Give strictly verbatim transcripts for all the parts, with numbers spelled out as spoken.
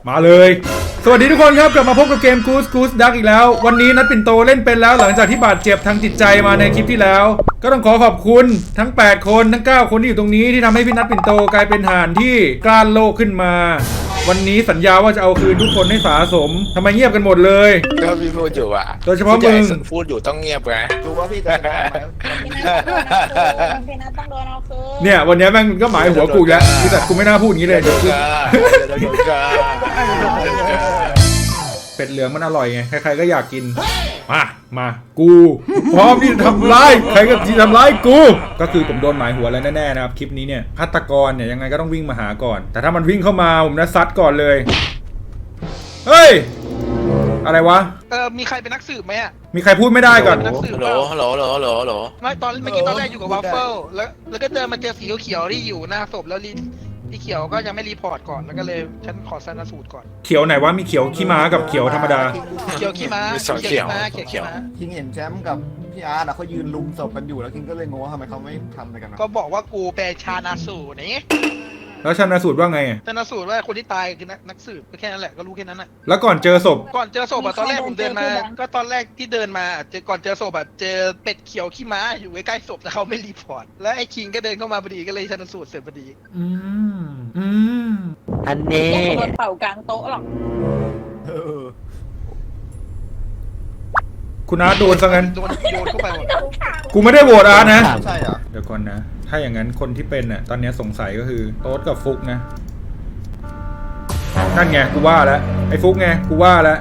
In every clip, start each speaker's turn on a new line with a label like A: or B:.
A: มาเลยสวัสดีทุกคนครับกลับมาพบกับเกม Goose Goose Duck อีกแล้ววันนี้นัดปิ่นโตเล่นเป็นแล้วหลังจากที่บาดเจ็บทางจิตใจมาในคลิปที่แล้วก็ต้องขอขอบคุณทั้งแปดคนทั้งเก้าคนที่อยู่ตรงนี้ที่ทำให้พี่นัดปิ่นโตกลายเป็นห่านที่กล้าโลกขึ้นมาวันนี้สัญญาว่าจะเอาคืนทุกคนให้สาสมทำไมเงียบกันหมดเลย
B: ก็พี่พูดอยู่อ่ะ
A: โดยเฉพาะมึง
B: พูดอยู่ต้องเงียบไง
C: รู้ว่าพี่จะชนะไหมพี่นัทต้องโดนเอาคืน
A: เนี่ยวันนี้แม่งก็หมายหัวกูแล้วแต่กูไม่น่าพูดอย่างนี้เลยเดี๋ยวเป็ดเหลืองมันอร่อยไงใครๆก็อยากกินมามากูพร้อมที่จะทำร้ายใครก็ที่ทำร้ายกูก็คือผมโดนหมายหัวแล้วแน่ๆนะครับคลิปนี้เนี่ยฆาตกรเนี่ยยังไงก็ต้องวิ่งมาหาก่อนแต่ถ้ามันวิ่งเข้ามาผมจะซัดก่อนเลยเฮ้ยอะไรวะ
D: เออมีใครเป็นนักสืบไหมอ่ะ
A: มีใครพูดไม่ได้ก่อน
B: ฮัลโหลฮัลโหลฮัลโหลฮัลโหลฮัลโหล
D: ไม่ตอนเมื่อกี้ตอนแรกอยู่กับวัฟเฟิลแล้วแล้วก็เจอมาเจอสีเขียวที่อยู่หน้าศพแล้วรีที่เขียวก็ยังไม่รีพอร์ตก่อนแล้วก็เลยฉันขอชันสูตรก่อน
A: เขียวไหนวะมีเขียวขี้ม้ากับเขียวธรรมดา
D: เขียวขี้ม้าเขียวขี้ม้าเขียวขี้ม้า
C: คิงเห็นแชมป์กับพี่อาร์ตอะเขายืนลุมศพกันอยู่แล้วคิงก็เลยงงว่าทำไมเขาไม่ทำอะไรกัน
D: ก็บอกว่ากูเป็นชานาสูตรนี่
A: แล้วชันสูตรว่าไง
D: ชันสูตรว่าคนที่ตายคือนักสืบก็แค่นั้นแหละก็รู้แค่นั้นแหละ
A: แล้วก่อนเจอศพ
D: ก่อนเจอศพอะตอนแรกผมเดินมาก็ตอนแรกที่เดินมาเจอก่อนเจอศพแบบเจอเป็ดเขียวขี้ม้าอยู่ใกล้ๆศพแต่เขาไม่รีพอร์ตแล้วไอ้คิงก็เดินเข้ามาพอดีก็เลยชันสูตรเสร็จพอดี
A: อืมอืม
E: อันนี้
C: โดนเป่ากลางโต๊ะหรอก
A: คุณอาร์ตโดนซะงั้น
D: โดนโยนเข้าไปหมด
A: กูไม่ได้โหวตอาร์ตนะ
C: ใช่เหรอ
A: เดี๋ยวก่อนนะถ้าอย่างนั้นคนที่เป็นน่ะตอนนี้สงสัยก็คือโต๊ดกับฟุกนะนั่นไงกูว่าแล้วไอ้ฟุกไงกูว่าแล้ว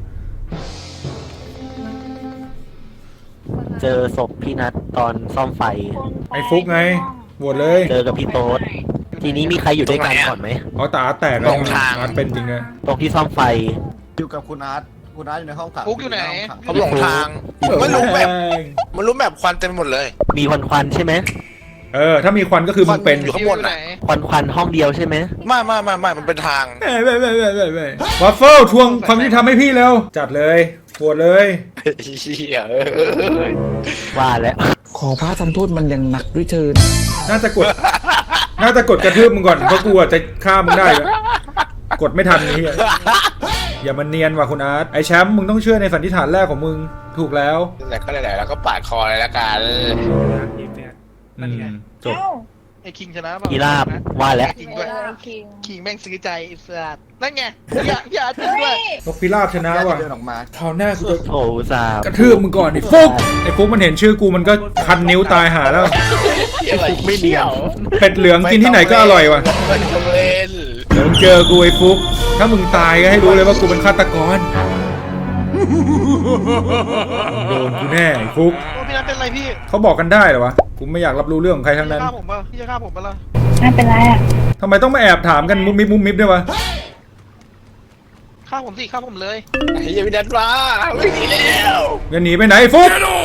E: เจอศพพี่นัทตอนซ่อมไฟ
A: ไอ้ฟุกไงโหวตเลย
E: เจอกับพี่โต๊ดทีนี้มีใครอยู่ด้วยกันก่อนไหม
A: อ๋อตาแตกตรงทางมันเป็นจริงนะ
E: ตรงที่ซ่อมไฟ
C: อยู่กับคุณอาร์ตคุณอาร์ตอยู่ในห้องขัง
D: ฟุกอยู่ไหน
B: เขาหลงทางมันรู้แบบมันรู้แบบควันเต็มหมดเลย
E: มีควันควันใช่ไหม
A: เออถ้ามีควันก็คือมึงเป็น
B: อยู่ข้างบนไหน
E: ควันควันห้องเดียวใช่ไหม
B: ไม่ไม่ไม่ไม่มันเป็นทาง
A: ไม่ไม่ไม่ไม่ไม่ไม่วัฟเฟิลทวงความยุติธรรมให้พี่แล้วจัดเลยปวดเลย
E: ว่าแล้ว
F: ขอพระทำโทษมันยังหนักด้วยเชิญ
A: น่าจะกดน่าจะกดกระทืบมึงก่อนเพราะกูจะฆ่ามึงได้กดไม่ทันนี้อย่ามันเนียนว่ะคุณอาร์ตไอแชมป์มึงต้องเชื่อในสันนิษฐานแรกของมึงถูกแล้ว
B: แต่ก็ได้แล้วก็ปาดคอเลยละกัน
A: จบ
D: ไอ้คิงชนะป่ะ
E: กีราบว่าแล้ว
D: คิงด้วยคิงแม่งซื้อใจอิสระนั่นไงอย่าอย่าจริงด้วย
A: นกพิราบชนะว่ะ
C: เดินออกมา
A: คราวหน้ากูจะ
E: โอ้ซาก
A: ระทืบมึงก่อนไอ้ฟุกไอ้ฟุกมันเห็นชื่อกูมันก็คันนิ้วตายหาแล้ว
E: ไม่เดียว
A: เป็ดเหลืองกินที่ไหนก็อร่อยว่ะเดี๋ยวมึงเจอกูไอ้ฟุกถ้ามึงตายก็ให้รู้เลยว่ากูเป็นฆาตกรโดนกูแน่ไอ้ฟุก
D: พี่นัทเป็นไรพี่
A: เขาบอกกันได้เหรอวะกูไม่อยากรับรู้เรื่องของใครทั้งนั้น
D: พี่จะฆ่าผมป่ะพี่จะฆ่าผมป่ะล่ะ
C: ไม่เป็นไรอ่ะ
A: ทำไมต้องมาแอบถามกันมุมมิบมุมมิบด้วยวะ
D: ฆ่าผมสิฆ่าผมเลย
B: ไอ้ยังไม่ดันมาไม่หนีแล้ว
A: จะหนีไปไหนฟุก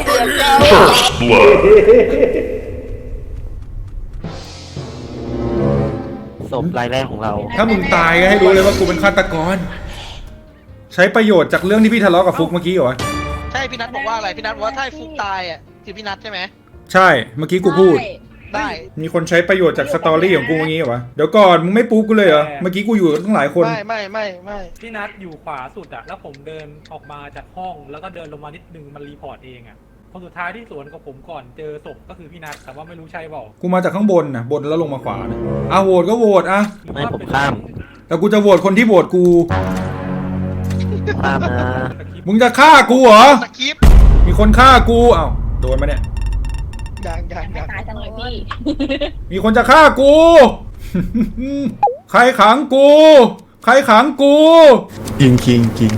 E: ศพรายแรกของเรา
A: ถ้ามึงตายก็ให้รู้เลยว่ากูเป็นฆาตกรใช้ประโยชน์จากเรื่องที่พี่ทะเลาะกับฟุกเมื่อกี้เหรอ
D: ใช่พี่นัทบอกว่าอะไรพี่นัทบอกว่าถ้าฟุกตายอ่ะคือพี่นัทใช่ไหม
A: ใช่เมื่อกี้กูพูด
D: ได้
A: มีคนใช้ประโยชน์จากสตอรี่ของกูเมื่อกี้เหรอเดี๋ยวก่อนมึงไม่ปุ๊บกูเลยเหรอเมื่อกี้กูอยู่ตั้งหลายคน
D: ไม่ไม่ไม่ไม่
G: พี่นัทอยู่ขวาสุดอะแล้วผมเดินออกมาจากห้องแล้วก็เดินลงมานิดนึงมันรีพอร์ตเองอะคนสุดท้ายที่สวนกับผมก่อนเจอศพก็คือพี่นัทแต่ว่าไม่รู้ใช่เปล่า
A: กูมาจากข้างบนนะบนแล้วลงมาขวานะอ่ะโหวตก็โหวตอ่ะ
E: ไม่ผมข้าม
A: แต่กูจะโหวตคนที่โหวตกู
E: ข้ามนะ
A: มึงจะฆ่ากูเหรอ
D: สกิป
A: มีคนฆ่ากูอ้าวโดนมาเนี่ย
D: ยังยังยัง
C: ตายจังเลยพี่
A: มีคนจะฆ่ากูใครขังกูใครขังกู
F: จริงจริงจริง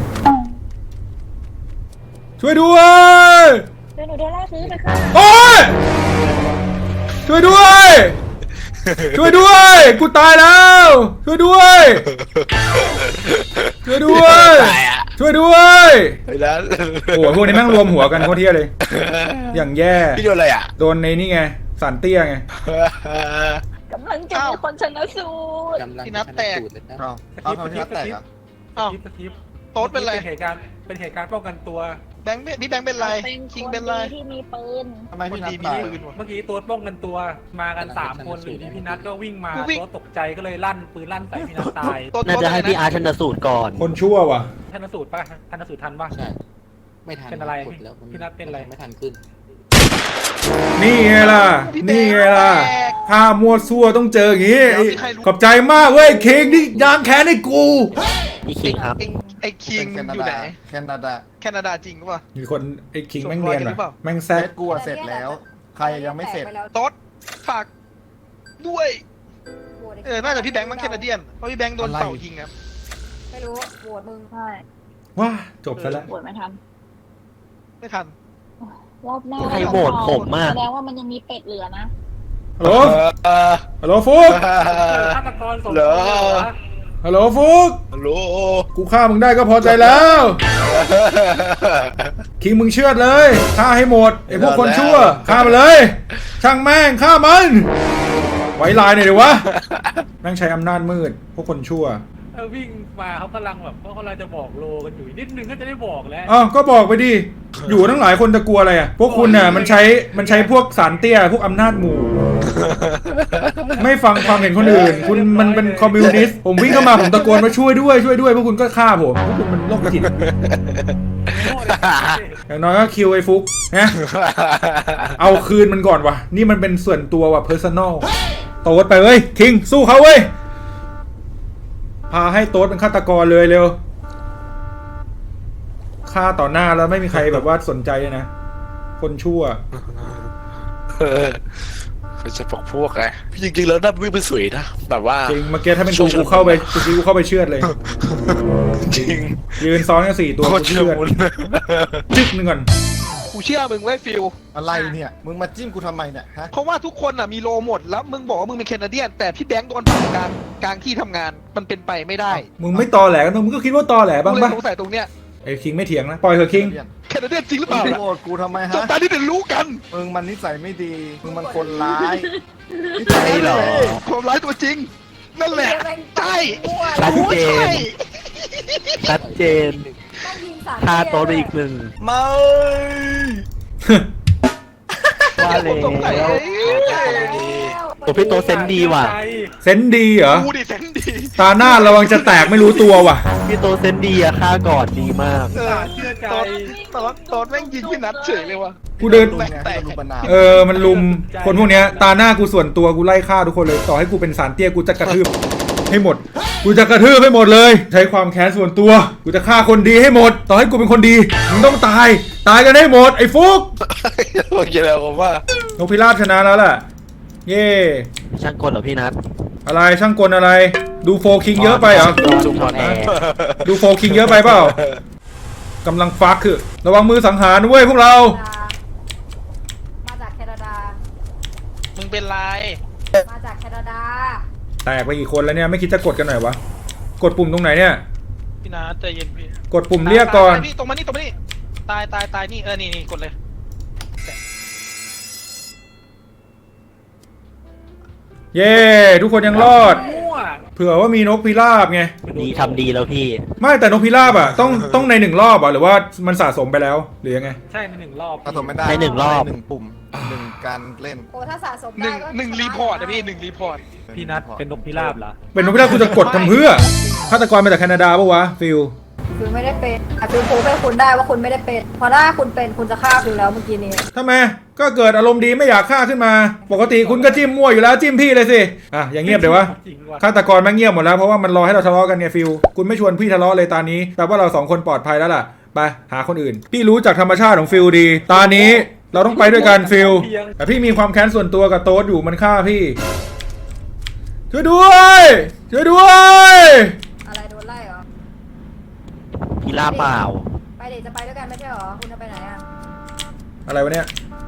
A: ช่วยด้วย
C: เดี๋ยวหนูโดนล่าซื้อไปค่ะ
A: โอ้ยช่วยด้วยช่วยด้วยกูตายแล้วช่วยด้วยช่วยด้วยช่วยด้วยโอ้โหพวกนี้แม่งรวมหัวกันโคตรเที่ยเลยอย่างแย่
B: พี่โดนอะไรอ่ะ
A: โดนในนี่ไงสันเตี้ยไง
C: กำลังจะมีคนชนะสูตร
D: พี่นัทแตก
C: เอาเอาพี่นัทแตกอ่ะ
D: อ้าวโต๊ดเป็นไร
G: เป็นเหตุการณ์เป็นเหตุการณ์ป้องกันตัว
D: แบงค์เป็นพี่แบงค์เป็นไร
H: เป็น
D: คิง
H: คน
D: เป็นไร
H: ดีที่มีปืน
C: ทำไม
D: คน
C: พี่นัท
D: ดีมี
C: ตาย
D: ปืนว่ะ
G: เมื่อกี้ตัวป้องกันตัวมากันสามคนอยู่ที่พี่นัทก็วิ่งมา
D: กูวิ่ง
G: ตัวตกใจก็เลยลั่นปืนลั่นใส่พี่นัทตาย
D: ตัว
E: น่าจะให้พี่อาร์ตชันสูตรก่อน
A: คนชั่วว่ะ
G: ชันสูตรป่ะชันสูตรทันป่ะ
I: ใช่ ไม่ทัน
G: เป็นอะไร
I: กดแล้วมั
G: พี่นัทเป็นอะไร
I: ไม่ทันขึ้น
A: นี่ไงล่ะ นี่ไงล่ะถ้ามัวซั่วต้องเจออย่างงี้ไอ้ขอบใจมากเว้ยคิงนี่ยางแค้นให้กู
E: พี่คิงครับ
D: ไอ้ไอ้คิง
C: เป็นแค
D: อยู่
C: นา
D: ไหน
C: ดาแคนาดา
D: แคนาดาจริงป่ะ
A: มีคนไอ้คิงแม่งเนียน
D: ส่งรอยกันหรือเป
A: ว่ะ
D: ล่า
A: แม่งแซ
C: เซ
A: ก
C: ตกูอะเสร็จแล้ว ใครยังไม่เสร็จ
D: โต๊ดฝากด้วย เออ น่าจะพี่แบงค์มั้งแคนาเดียน เพราะพี่แบงค์โดน
C: อะไร
D: เป่ายิงครับ
H: ไม่รู้โหวตมึงใช่
A: ว้าจบซะแล้ว
H: โหวตไม่ทัน
D: ไม่ทัน
H: รอบหน้า
E: ใครโหวตผมอะ
H: แสดงว่ามันยังมีเป็ดเหลือนะ
A: ฮัลโหล
B: เออ
A: ฮัลโหลฟุก
G: ฆาตกรสม
B: เหรอ
A: ฮัลโหลฟุก
B: ฮัลโหล
A: กูฆ่ามึงได้ก็พอใจแล้วคิงมึงเชื่อดเลยฆ่าให้หมดไอ้พวกคนชั่วฆ่ามันเลย ช่างแม่งฆ่ามันไว้ลายหน่อยเดี๋ยววะแม่งใช้อำนาจมืดพวกคนชั่ว
G: เออวิ่งมาเขากำลังแบบเขากำลังจะบอกโลกันอยู่นิดนึงก็จะได้บอกแล้ว
A: อ้าวก็บอกไปดิ อยู่ทั้งหลายคนจะกลัวอะไรอ่ะ พวกคุณน่ะมันใช้ มันใช้พวกสารเตี้ย พวกอำนาจหมู่ ไม่ฟังความเห็นคนอื่น คุณมันเป็นคอมมิวนิสต์ ผมวิ่งเข้ามาผมตะโกนว่าช่วยด้วยช่วยด้วย พวกคุณก็ฆ่าผม พวกคุณมันโรคจิต อย่างน้อยก็คิวไอ้ฟุกนะ เอาคืนมันก่อนวะนี่มันเป็นส่วนตัวว่ะ personal โต๊ดไปเว้ย คิง สู้เขาเว้ย พาให้โต๊ดเป็นฆาตกรเลยเร็ว ฆ่าต่อหน้าแล้วไม่มีใครแบบว่าสนใจเลยนะ คนชั่ว
B: เออเขาจะบอกพวกไงจริงๆแล้วน่าวิ่งไปสวยนะ แบบว่า
A: จริงเมื่อกี้ถ้าเป็นกูกูเข้าไปกูกูเข้าไปเชือดเลย
B: จริง
A: ยืนซ้อนกันสี่ตัว
B: โค
A: กู
B: ตรเชื่
A: เชื
B: อ
A: อด
B: มุน
A: จึ๊กหนึ่งก่อน
D: กูเชื่อมึงไว้ยฟิล
C: อะไรเนี่ย มึงมาจิ้มกูทำไมเนี่ยฮะ
D: เพราะว่าทุกคนอ่ะมีโลหมด แล้วมึงบอกว่ามึงเป็นแคนาเดียน แต่พี่แบงค์โดนเป่ากลางกลางที่ทำงาน มันเป็นไปไม่ได้
A: มึงไม่ตอแหลกันมึงก็คิดว่าตอแหล
D: กู
A: บ้าง
D: เลย
A: ปะ
D: สงสัยตรงเนี้ย
A: ไอ้คิงไม่เถียงนะ ปล่อยเถอะคิง
D: แคนาเดียนจริงหรือเป
C: มึง
D: ล่า
C: โกรธกูทำไม
D: จบ
C: ฮะ
D: ตาที่เดี๋ยวรู้กัน
C: มึงมันนิสัยไม่ดี มึงมันคนร้าย
E: ใช่เหรอ
D: ความร้ายตัวจริง นั่นแหละ ใช่
E: ชัดเจน
D: ใช่
E: ชัดเจน
H: ต้องยิงสาม
E: ฆ่าโต๊ดไปอีกหนึ่ง
C: ไม่
E: ว่าเลย
D: ผมสงสัยเอ้ย
E: โอ้พี่โต๊ดเซนส์ดีว่ะ
A: เซนส์ดีเหรอ
D: กูดิเซนดี
A: ตาหน้าระวังจะแตกไม่รู้ตัวว่ะ
E: พี่โต๊ดเซนส์ดีอะฆ่าก่อนดีมาก
D: เออ
G: เชื่อใจ
D: ตอนตอนตอนแม่งยิงพี่นัทเฉยเลยว่ะ
A: กูเดิน
C: ลุงไงให้ลุงประนาม
A: เออ มันลุม คนพวกเนี้ย ตาหน้ากูส่วนตัวกูไล่ฆ่าทุกคนเลย ต่อให้กูเป็นสารเตี้ยกูจะกระทืบให้หมด กูจะกระทืบให้หมดเลย ใช้ความแค้นส่วนตัว กูจะฆ่าคนดีให้หมด ต่อให้กูเป็นคนดี มึงต้องตาย ตายกันให้หมด ไอ้ฟุก
B: โอเคแล้วผมว่า
A: นกพิราบชนะแล้วล่ะ เย่
E: ช่างกลเหรอพี่นัท
A: อะไรช่างกลอะไร ดูโฟคิงเยอะไปเหรอ
E: จุ่มถอดแอร์
A: ดูโฟคิงเยอะไปเปล่ากำลังฟักคือ ระวังมือสังหารด้วยพวกเรา
H: มาจากแคนาดา
D: มึงเป็นไร
H: มาจากแคนาดา
A: แตกไปกี่คนแล้วเนี่ย ไม่คิดจะกดกันหน่อยวะ กดปุ่มตรงไหนเนี่ย
D: พี่นัทใจเย็นพี่
A: กดปุ่มเรียกก่อน
D: ตายพี่ตรงมานี่ตรงมานี่ตายตายตายนี่เออนี่นี่กดเลย
A: เย้ ทุกคนยังรอด
G: มั่ว
A: เผื่อว่ามีนกพิราบไง
E: ดีทำดีแล้วพี่
A: ไม่แต่นกพิราบอ่ะต้องต้องในหนึ่งรอบอ่ะหรือว่ามันสะสมไปแล้วหรือยังไง
G: ใช่ในหนึ่งรอบ
C: ผสมไม่ได้
E: ในหนึ่งรอบ
C: หนึ่งปุ่มหนึ่งการเล่น
H: โอ้ถ้าสะสม
D: หนึ่
H: ได้
D: ง
H: ก็
D: หนึ่งรีพอร์ตนะพี่หนึ่งรีพอร์ต
G: พี่นัทเป็นนกพิราบเหรอ
A: เป็นนกพิราบคุณจะกดทำเพื่อฆาตกรมาจากแคนาดาปะวะฟิล
H: คือไม่ได้เป็นอาจจะพูดให้คุณได้ว่าคุณไม่ได้เป็นเพราะถ้าคุณเป็นคุณจะฆ่าคุณแล้วเมื่อกี้นี้
A: ทำไมก็เกิดอารมณ์ดีไม่อยากฆ่าขึ้นมา ปกติคุณก็จิ้มมั่วอยู่แล้วจิ้มพี่เลยสิอ่ะอย่างเงียบเดี๋ยววะ
G: จริงว่ะ
A: ฆาตกรแม่งเงียบหมดแล้วเพราะว่ามันรอให้เราทะเลาะกันไงฟิลคุณไม่ชวนพี่ทะเลาะเลยตานี้แปลว่าเราสองคนปลอดภัยแล้วล่ะไปหาคนอื่น พี่รู้จากธรรมชาติของฟิลดี ตานี้เราต้องไปด้วยกันฟิลแต่พี่มีความแค้นส่วนตัวกับโต๊ดอยู่มันฆ่าพี่ช่วยด้วยช่วยด้วย
H: อะไรโดนไล่เหรอ
E: พี่ลาเปล่า
H: ไปเดี๋ยวจะไปด้วยกันไม่ใช่เหรอคุณจะไปไหนอ่ะ
A: อะไรวะเนี่ย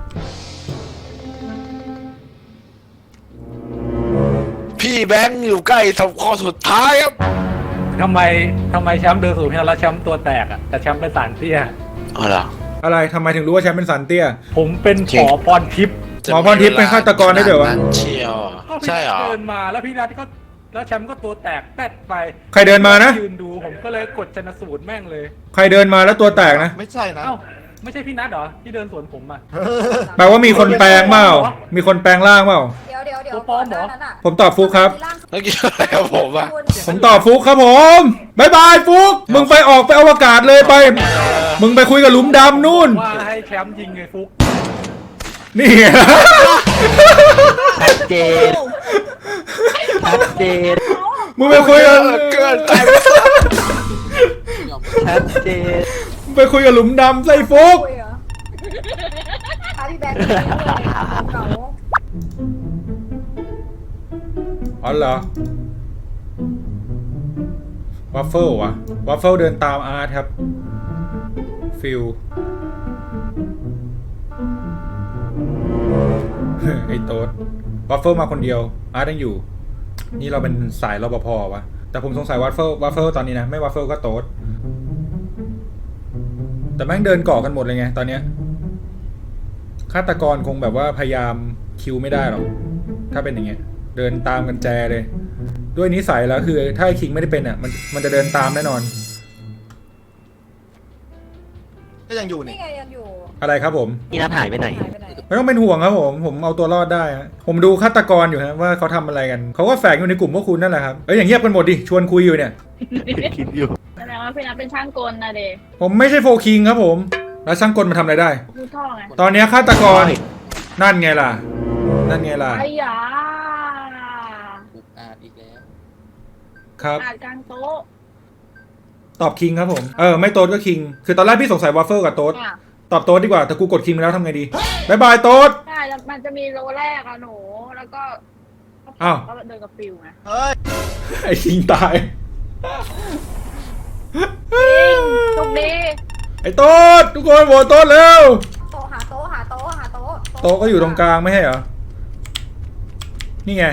B: พี่แบงค์อยู่ใกล้ทำข้อสุดท้ายครับ
G: ทำไมทำไมแชมป์เดินสู่พี่นัทแล้วแชมป์ตัวแตกอะแต่แชมป์เป็นสารเตี้ย
B: อ๋อเหรอ
A: อะไรทำไมถึงรู้ว่าแชมป์เป็นสันเตี้ย
G: ผมเป็นขอพรทิพย์
A: หมอพรทิพย์เป็นฆาตกรได้ด้วยวะ
B: ขนานั้นเชียว
G: ก็พี่
B: ใช่
G: นั
B: เหร
G: ท
B: อ
G: เดินมาแล้วพี่นัทก็แล้วแชมป์ก็ตัวแตกแป๊ดไป
A: ใครเดินมานะ
G: ยืนดูผมก็เลยกดชนสูตรแม่งเลย
A: ใครเดินมาแล้วตัวแตกนะ
C: ไม่ใช่นะ
G: เอ้าไม่ใช่พี่นัทเหรอที่เดินสวนผมอ่ะ
A: แปลว่ามีคนแปลงเปล่ามีคนแปลงร่างเปล่า
H: เดี๋ยวเดี๋ยวเดี๋ยว
G: ตัวปลอมเหรอ
H: ก่นน้านั้นอะ
A: ผมตอบฟุกครับ
H: มีาง
B: เมื่อกี้อะไรกับผมอะ
H: คุณ
A: ผมตอบฟุกครับผมบายบายฟุกมึงไปออกไปอวกาศเลยไป มึงไปคุยกับหลุมดำนู่น
G: ว่าให้แคมป์ยิงไงฟุก
A: นี่
E: ชัดเจนชัดเจน
A: มึงไปคุยกับ
B: เกินไป
E: ชัดเจน
A: มึงไปคุยกับหลุมดำใส่ฟุก
H: คุยเหรอพาพี่แบงค์ไปเลยเก่า
A: อ๋อเหรอวัฟเฟิลวะวัฟเฟิลเดินตามอาร์ตครับฟิล ไอ้โต๊ดวัฟเฟิลมาคนเดียวอาร์ตยังอยู่ นี่เราเป็นสายรปภวะแต่ผมสงสัยวัฟเฟิลวัฟเฟิลตอนนี้นะไม่วัฟเฟิลก็โต๊ดแต่แม่งเดินเกาะกันหมดเลยไงตอนเนี้ยฆาตกรคงแบบว่าพยายามคิวไม่ได้หรอกถ้าเป็นอย่างเงี้ยเดินตามกันแจเลย ด้วยนิสัยแล้วคือถ้าไอ้คิงไม่ได้เป็นอ่ะมันมันจะเดินตามแน่นอน
C: ก็ยังอยู่นี่
H: นี่ไงยังอยู่
A: อะไรครับผม
E: พี่นัทหายไปไหน
H: หายไปไหน
A: ไม่ต้องเป็นห่วงครับผมผมเอาตัวรอดได้ฮะผมดูฆาตกรอยู่ฮะว่าเขาทำอะไรกันเขาก็แฝงอยู่ในกลุ่มพวกคุณนั่นแหละครับเอ้ยอย่างเงียบกันหมดดิชวนคุยอยู่เนี่ย
E: คิดอยู่
I: แสดงว่าพี่นัทเป็นช่างกลนะเด
A: ผมไม่ใช่โฟคิงครับผมแล้วช่างกลมาทำอะไรได้
I: พูดท่อไง
A: ตอนเนี้ยฆาตกรนั่นไงล่ะ นั่นไงล่ะ
I: ไอ้ยา
A: ครับ
I: อาดกลางโต๊ะ
A: ตอบคิงครับผมเออไม่โต๊ดก็คิงคือตอนแรกพี่สงสัยวอฟเฟิลกับโต๊ด
I: อ่ะ
A: ตอบโต๊ดดีกว่าแต่กูกดคิงไปแล้วทำไงดีบายบายโต๊ด
I: ใช่แล้วมันจะมีโลแรกอะหนู แล้วก็
A: อ้าว
I: ก็เดินกับฟิวไง
C: เฮ้ย
A: ไอ้คิงตาย
I: จริงโชคดี
A: ไอ้โต๊ดทุกคนโหวตโต๊ดเร็ว
H: โต๊ะหาโต๊ะหาโต๊ะหาโต๊ะ
A: โต๊ะก็อยู่ตรงกลางไม่ใช่เหรอนี่ไง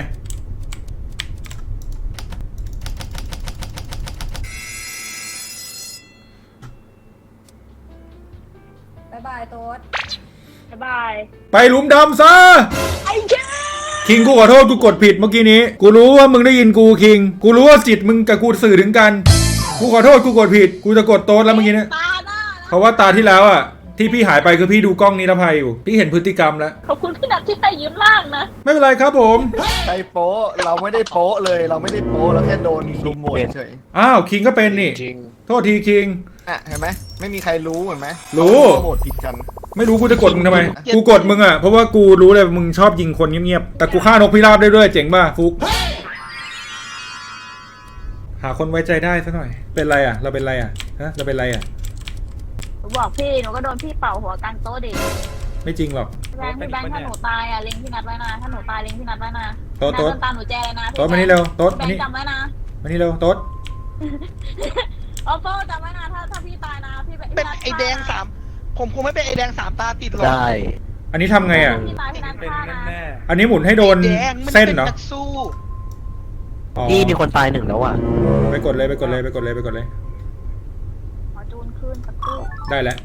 H: บายบายโต๊ด
I: บ๊ายบาย
A: ไปหลุมดำซะคิงกูขอโทษกูกดผิดเมื่อกี้นี้กูรู้ว่ามึงได้ยินกูคิงกูรู้ว่าจิตมึงกับกูสื่อถึงกันกูขอโทษกูกดผิดกูจะกดโต๊ดแล้วเมื่อกี้เนี้ย
I: ตาหน้านะ
A: เพราะว่าตาที่แล้วอ่ะที่พี่หายไปคือพี่ดูกล้องนิรภัยอยู่พี่เห็นพฤติกรรมแล้ว
I: ขอบคุณพี่นัทที่ให้ยืมร่างนะ
A: ไม่เป็นไรครับผม
C: ใครโป๊ะเราไม่ได้โป๊ะเลย เราไม่ได้โป๊ะเราแค่โดนลุมหมดเฉย
A: อ้าวคิงก็เป็นนี่
B: จริง
A: โทษทีคิง
C: อ่ะเห็นไหมไม่มีใครรู้เห็นไหม
A: รู้
C: โหวตผิดกัน
A: ไม่รู้กูจะกดมึงทำไมกูกดมึงอ่ะเพราะว่ากูรู้เลยมึงชอบยิงคนเงียบๆแต่กูฆ่านกพิราบได้ด้วยเจ๋งป่ะฟุกหาคนไว้ใจได้ซะหน่อยเป็นไรอ่ะ เราเป็นไรอ่ะฮะเราเป็นไรอ่ะ
I: หนูบอกพี่ หนูก็โดนพี่เป่าหัวกลางโต๊ะดิ
A: ไม่จริงหรอก
I: แบงค์พี่แบงค์ถ้าหนูตายอ่ะเล็งพี่นัทไว้นะ ถ้าหนูตายเล็งพี่นัทไว้นะ
A: โต๊ะ
I: นัท
A: โต๊ะ
I: เดินตามหนูแจเลยนะพี่
A: โต๊ดมานี่เร็วโต๊ด
I: แบ
A: มาง นี่
I: ค์จำไว้นะ
A: มานี่เร็วโต๊ด
I: โอ้โหจำไว้นะ ถ้าถ้าพี่ตายนะ พี่
D: เป็นไอแดงสามผมคงไม่เป็นไอแดงสามตาติดหรอก
E: ได้
A: อันนี้ทำไงอ่ะ
I: พี่ตายพี่นัท
G: เป็น
I: ฆ่านะ
G: แน่
A: อันนี้หมุนให้โดน
D: ไอ้แดงมัน
A: เส้น
D: เป็น
A: เหรอ
D: นักสู้
A: อ๋อ
E: นี่มีคนตายหนึ่งแล้วอ่ะ
A: ไปกดเลยไปกดเลยไปกดเลยไปกดเลย
I: ขอจูนคืนสักครู่
A: ได้แล้ว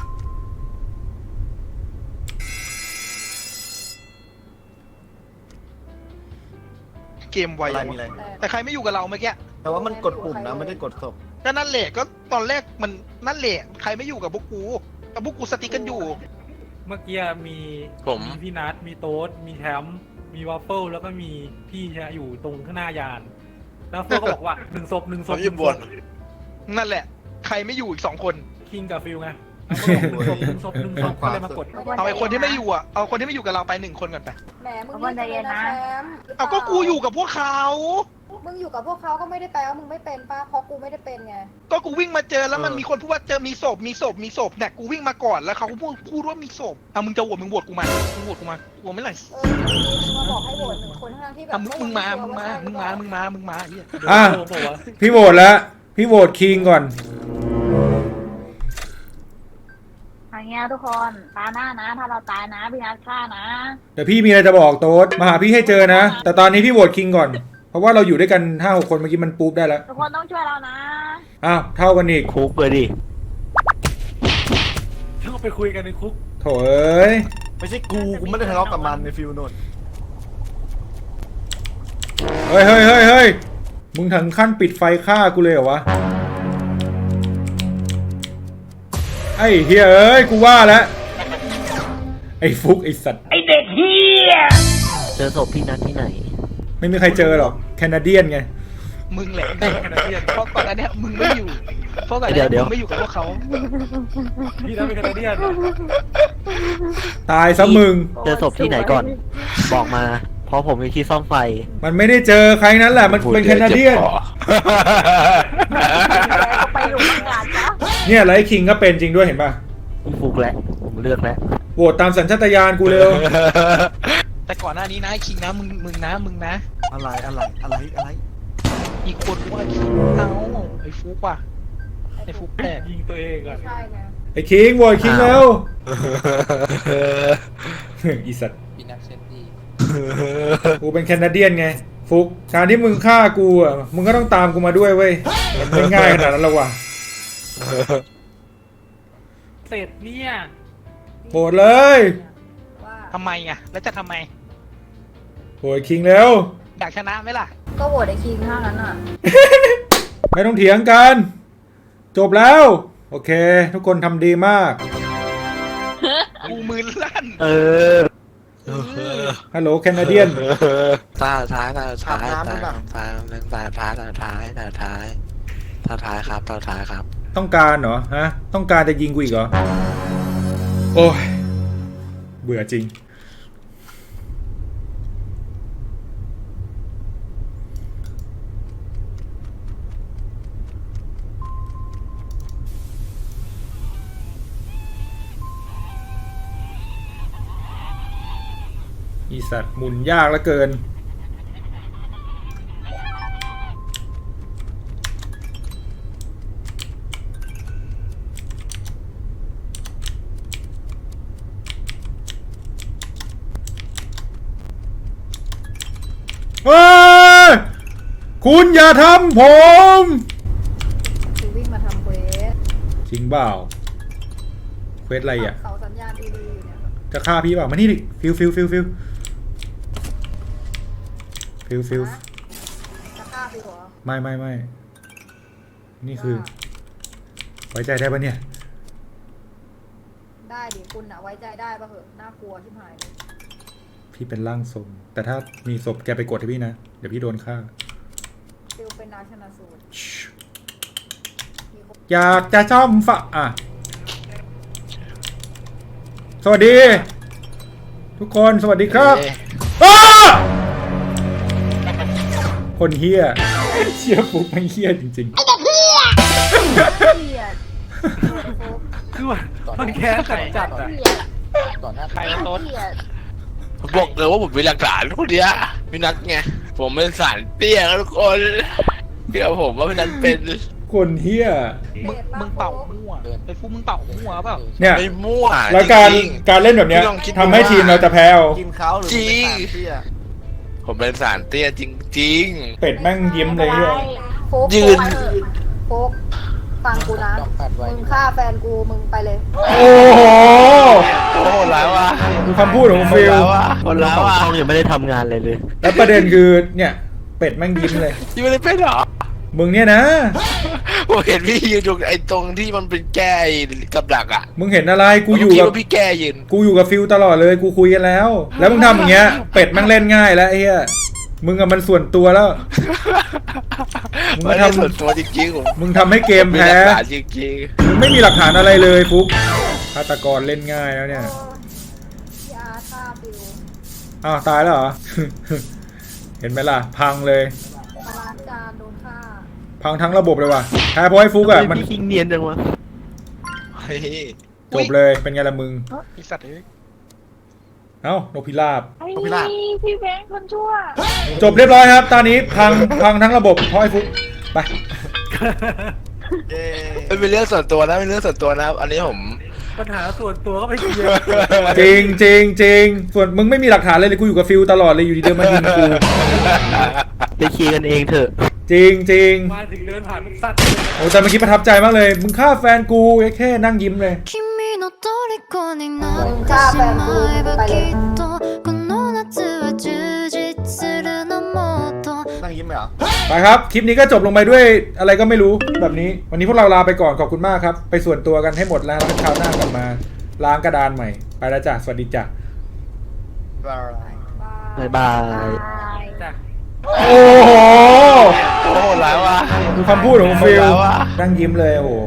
D: เกมไว
C: อะไร
D: อะ
C: มีอะไร
D: แต่ใครไม่อยู่กับเราเมื่อกี้
C: แต่ว่ามันกดปุ่มนะไม่ได้กดศพ
D: ก็นั่นแหละก็ตอนแรกมันนั่นแหละใครไม่อยู่กับพวกกูแต่พวกกูสติ๊กกันอยู่
G: ๆเมื่อกี้มี
B: ผม
G: มีพี่นัทมีโต๊ดมีแชมป์มีวัฟเฟิลแล้วก็มีพี่เนี่ยอยู่ตรงข้างหน้ายาน แล้ววัฟเฟิลก็บอกว่าหนึ่งศพหนึ่งศ
B: เขา
G: พ
B: ยืมบ่น
D: นั่นแหละ ใครไม่อยู่อีกสองคน
G: คิงกับฟิลไงหนึ่งศพหนึ่งศพหนึ่งศพก็เลยมากด
D: เอาไอ้คนที่ไม่อยู่อ่ะเอาคนที่ไม่อยู่กับเราไปหนึ่งคนก่อนไป
H: แหมมึงนี่เลยนะแชมป์
D: เอาก็กูอยู่กับพวกเขา
H: มึงอยู่กับพวกเขาก็ไม่ได้แปลว่ามึงไม่เป็นป้าเพราะกูไม่ได้เป็นไง
D: ก็กูวิ่งมาเจอแล้วมันมีคนพูดว่าเจอมีศพมีศพมีศพเนี่ยกูวิ่งมาก่อนแล้วเขาก็พูดพูดว่ามีศพอ่ะมึงจะโหวตมึงโหวตกูมามึงโหวตกูมากูไม่ไหล
H: เออมึงมาบอกให้โหวตหนึ่งคนทั้งที่แบบ
D: อ่ะมึงมึงมามึงมามึงมามึงมามึงมาไอ้เหี้ย
A: อ่ะ
G: โดนบอกว่า
A: พี่โหวตแล้วพี่โหวตคิงก่อน
I: อย่างเงี้ยทุกคนตาหน้านะ ถ้าเราตายนะพี่นัทฆ่านะ
A: เดี๋ยวพี่มีอะไรจะบอกโต๊ดมาหาพี่ให้เจอนะ แต่ตอนนี้พี่โหวตคิงก่อน เพราะว่าเราอยู่ด้วยกันห้าหกคนเมื่อกี้มันปุ๊บได้แล้ว
I: ทุกคนต้องช่วยเรานะ
A: อ้าวเท่ากันอีก
E: คุกเลยดิ
G: ต้องไปคุยกันในคุก
A: โถเอ้ย
C: ไม่ใช่กูกูไม่ได้ทะเลาะกับมันในฟิลโนน
A: เฮ้ยเฮ้ยเฮ้ยเฮ้ยมึงถึงขั้นปิดไฟฆ่ากูเลยเหรอวะไออ้เฮียเอ้ยกูว่าแล้วไอ้ฟุกไอ้สัตว์
E: เจอศพพี่นัทที่ไหน
A: ไม่มีใครเจอหรอกแคนาเดียนไง
D: มึงแหละเป็นแคนาเดียนเพราะก่อนหน้าเนี้ยมึงไม่อยู่เพราะก่อนหน้า
E: เดี๋ยวเดี๋
D: เนี้
E: ยว
D: มึงไม่อยู่กับพวกเขา
G: พี่นัทเป็นแคนาเดียน
A: ตายซะมึง
E: เจอศพที่ไหนก่อน บอกมา เพราะผมอยู่ที่ซ่อมไฟ
A: มันไม่ได้เจอใครนั้นแหละมันเป็นแคนาเดียน
I: ก็ไปหลุมอากาศจ้ะ
A: เนี่ยไลท์คิงก็เป็นจริงด้วยเห็นป่ะ
E: ผมฟุกแล้วผมเลือกแล้ว
A: โหวตตามสัญชาตญาณกูเร็ว
D: แต่ก่อนหน้านี้นะไอ้คิงนะมึงมึงนะมึงนะ
C: อะไรอะไรอะไรอะไร
D: อีกคนว่าคิงเอ้าไอ้ฟุกว่ะไอ้ฟุกแปลก
G: ยิงตัวเองก่อน
H: ใช่ไง
A: ไอ้คิงโหวตคิงเร็วอีสัตว์
D: ปีนักเซนดี้
A: กูเป็นแคนาเดียนไงฟุกการที่มึงฆ่ากูอ่ะมึงก็ต้องตามกูมาด้วยเว้ยมันไม่ง่ายขนาดนั้นหรอกว่ะ
G: เสร็จเนี่ย
A: โหวตเลย
H: ว่า
D: ทำไมอ่ะแล้วจะทำไม
A: โหวตคิงเร็ว
D: อยากชนะไหมล่ะ
H: ก็โหวตไอ้คิงถ้างั้นอ่ะ
A: ไม่ต้องเถียงกัน จบแล้ว โอเค ทุกคนทำดีมาก
D: กูมือลั่น
E: เออ
A: ฮัลโหลแคนาเดียน
B: ตาท้ายตาท้ายตาท้ายตาท้ายตาท้ายตาท้ายตาท้ายตาท้ายครับตาท้ายครับ
A: ต้องการเหรอฮะ ต้องการจะยิงกูอีกเหรอ โอ้ย เบื่อจริง อีสัตว์หมุนยากเหลือเกิน เฮ้ย คุณอย่าทำผม
H: คือวิ่งมาทำเควส
A: จริงเปล่าเควสอะไรอ่ะ
H: เสาสัญญาณดีๆอยู่เนี่ย
A: จะฆ่าพี่เปล่ามานี่ดิฟิวฟิวฟิวฟิวฟิวฟิว
H: จะฆ่าพี่เหรอ
A: ไม่ไม่ไม่นี่คือ ไว้ใจได้ปะเนี่ย
H: ได้ดิคุณอะไว้ใจได้ปะเหอะน่ากลัวชิบหายเลย
A: พี่เป็นร่างทรงแต่ถ้ามีศพแกไปกดให้พี่นะ เดี๋ยวพี่โดนฆ่า
H: ฟิลเป็นนาชนะสูตรมีคน
A: อยากจะซ่อมฝาอ่ะ สวัสดี ทุกคนสวัสดีครับอ้าคนเฮียเชี่ยปุ๊บไม่เฮียจริง
I: เกลียด
G: คือว่ามันแค้นจัดจัดอ่ะ
I: เกลียด
C: ก่อนหน้า
D: ใครเอาโต๊ด
I: เกลียด
B: ผมบอกเลยว่าผมมีหลักฐานคนเนี้ยพี่นัทไงผมเป็นสารเตี้ยครับทุกคนเดี๋ยวผมว่าพี่นัทเป็น
A: ๆ คนเฮีย
D: มึงมึงเป่ามั่วไอ้ฟุกมึงเป่ามั่วเปล่า
A: เนี่ย
B: ไม่มั่ว
A: แล้วการ
B: จริง
A: การเล่นแบบเนี้ย
B: พี่ลองคิดดู
A: ทำให้ทีมเราจะแพ้เอา
C: กินเขาหรือเป็นสารเตี้ย
B: ๆผมเป็นสารเตี้ยจริง
A: เป็ดแม่งยิ้มเลยเฮีย
H: โฟก
B: ยืน
H: โฟกฟังกูนะ มึงฆ่าแฟนกูมึงไปเลย
A: โอ้โห
B: ๆโอ้โหแล้วอ่ะ
A: ดูคำพูดของฟิล
B: แล้วอ่ะหมด
E: เรา
B: แล้ว
E: สอง
B: อ่ะ
E: ช่องยังไม่ได้ทำงานเลยเลย
A: แล้วประเด็นคือเนี่ยเป็ดแม่งยิ้มเลย
B: พี่ไม่ได้เป็นหรอ
A: มึงเนี่ยนะ
B: ผมเห็นพี่ยืนตรงไอ้ตรงที่มันเป็นแก้กับดักอ่ะ
A: มึงเห็นอะไรกูอยู่
B: ผมคิด
A: กับ
B: ว่าพี่แก้ยืน
A: กูอยู่กับฟิลตลอดเลยกูคุยกันแล้ว แล้วมึงทำอย่างเงี้ยเป็ดแม่งเล่นง่ายแล้วไอ้เหี้ยมึงกับมันส่วนตัวแล้ว มึง
B: ไม่
A: มา
B: ได้
A: ทำ
B: ส่วนตัวจริงๆผม
A: มึงทำให้เกม
B: มี
A: แพ้
B: หลักฐานจริง
A: มึงไม่มีหลักฐานอะไรเลยฟุกฆาตกรเล่นง่ายแล้วเนี่ย
H: ยาฆ่าฟิล
A: อ้าวตายแล้วเหรอ เห็นไหมล่ะ พังเลย
H: มาล้างจานโดนฆ่า
A: พังทั้งระบบเลยว่ะแพ้เพราะไอ้ฟุกอ่ะมัน
E: พี่คิงเนียนจังวะ
B: ๆเฮ้ย
A: จบเลยเป็นไงล่ะมึง
D: ไอ้สัตว์เอ้ย
A: เอ้านกพิราบ
I: ไอ้นี่พี่แบงค์คนชั่ว
A: จบเรียบร้อยครับ ตอนนี้พังพังทั้งระบบเพราะไอ้ฟุกไป
C: เย้
B: ไม่เป็นเรื่องส่วนตัวนะเป็นเรื่องส่วนตัวนะอันนี้ผม
G: ปัญหาส่วนตัวก็ไปเคลียร์
A: จริงจริงจริงส่วนมึงไม่มีหลักฐานเลยเลยกูอยู่กับฟิลตลอดเลยอยู่ดีเดินมายิงกู
E: ไปเคลียร์กันเองเถอะ
A: จริงจริง
G: มาถึงเดินผ่านมันสัตว์
A: โอ้แต่เมื่อกี้ประทับใจมากเลย มึงฆ่าแฟนกูแค่นั่งยิ้มเลย
H: มึงฆ่าแฟนกูมึงไปเลย
C: นั่งยิ้มยิ้มไหมเหรอ
A: ไปครับ คลิปนี้ก็จบลงไปด้วยอะไรก็ไม่รู้แบบนี้ วันนี้พวกเราลาไปก่อนขอบคุณมากครับ ไปส่วนตัวกันให้หมดแล้วแล้วคราวหน้ากลับมาล้างกระดานใหม่ ไปแล้วจ้ะสวัสดีจ้ะ
E: บ๊ายบาย
G: จ้ะ
A: โอ้โห
B: โอ้โหแล้วว่ะ
A: ดูคำพูดของฟิลนั่งยิ้มเลยโอ้โห